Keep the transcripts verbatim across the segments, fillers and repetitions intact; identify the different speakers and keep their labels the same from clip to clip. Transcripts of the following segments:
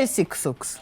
Speaker 1: Фельсіксукс.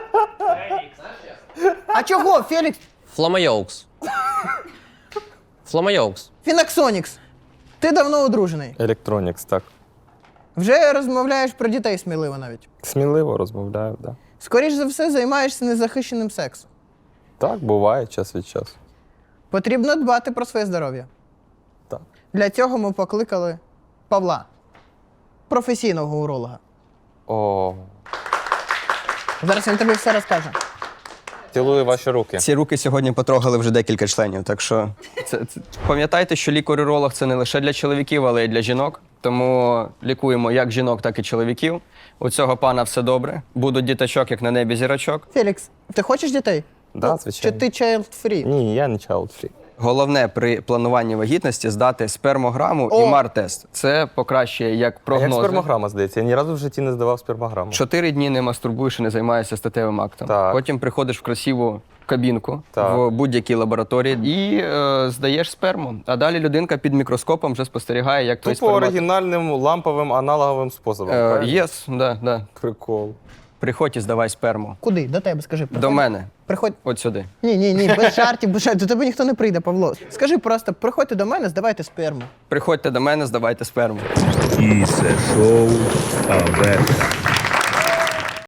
Speaker 1: А чого, Фелікс?
Speaker 2: Фламайоукс. Фламайоукс.
Speaker 1: Фінаксонікс. Ти давно одружений.
Speaker 3: Електронікс, так.
Speaker 1: Вже розмовляєш про дітей сміливо навіть.
Speaker 3: Сміливо розмовляю, так. Да.
Speaker 1: Скоріш за все, займаєшся незахищеним сексом.
Speaker 3: Так, буває час від часу.
Speaker 1: Потрібно дбати про своє здоров'я.
Speaker 3: Так.
Speaker 1: Для цього ми покликали Павла, професійного уролога.
Speaker 3: О,
Speaker 1: Зараз він тобі все розкаже.
Speaker 3: цілую ваші руки.
Speaker 4: Ці руки сьогодні потрогали вже декілька членів, так що це, це... пам'ятайте, що лікар-уролог – це не лише для чоловіків, але й для жінок. Тому лікуємо як жінок, так і чоловіків. У цього пана все добре. Будуть діточок, як на небі зірочок.
Speaker 1: Фелікс, ти хочеш дітей?
Speaker 3: Да,
Speaker 1: Чи
Speaker 3: звичайно.
Speaker 1: ти child-free?
Speaker 3: Ні, я не child-free.
Speaker 4: Головне при плануванні вагітності здати спермограму
Speaker 1: О!
Speaker 4: і мар-тест. Це покращує як
Speaker 3: А як
Speaker 4: прогнози.
Speaker 3: спермограма, здається? Я ні разу в житті не здавав спермограму.
Speaker 4: Чотири дні не мастурбуєш і не займаєшся статевим актом.
Speaker 3: Так.
Speaker 4: Потім приходиш в красиву кабінку
Speaker 3: Так.
Speaker 4: в будь-якій лабораторії і е, здаєш сперму. А далі людинка під мікроскопом вже спостерігає, як твій
Speaker 3: Тупо
Speaker 4: спермат...
Speaker 3: оригінальним ламповим аналоговим способом.
Speaker 4: Е,
Speaker 3: правильно?
Speaker 4: Єс, да, да.
Speaker 3: Прикол.
Speaker 4: Приходь і здавай сперму.
Speaker 1: Куди? До тебе, скажи. Приходь.
Speaker 4: До мене.
Speaker 1: Приходь.
Speaker 4: От сюди.
Speaker 1: Ні, ні, ні, без жартів, без жартів. До тебе ніхто не прийде, Павло. Скажи просто, приходьте до мене, здавайте сперму.
Speaker 4: Приходьте до мене, здавайте сперму.
Speaker 5: І це шоу Аверта.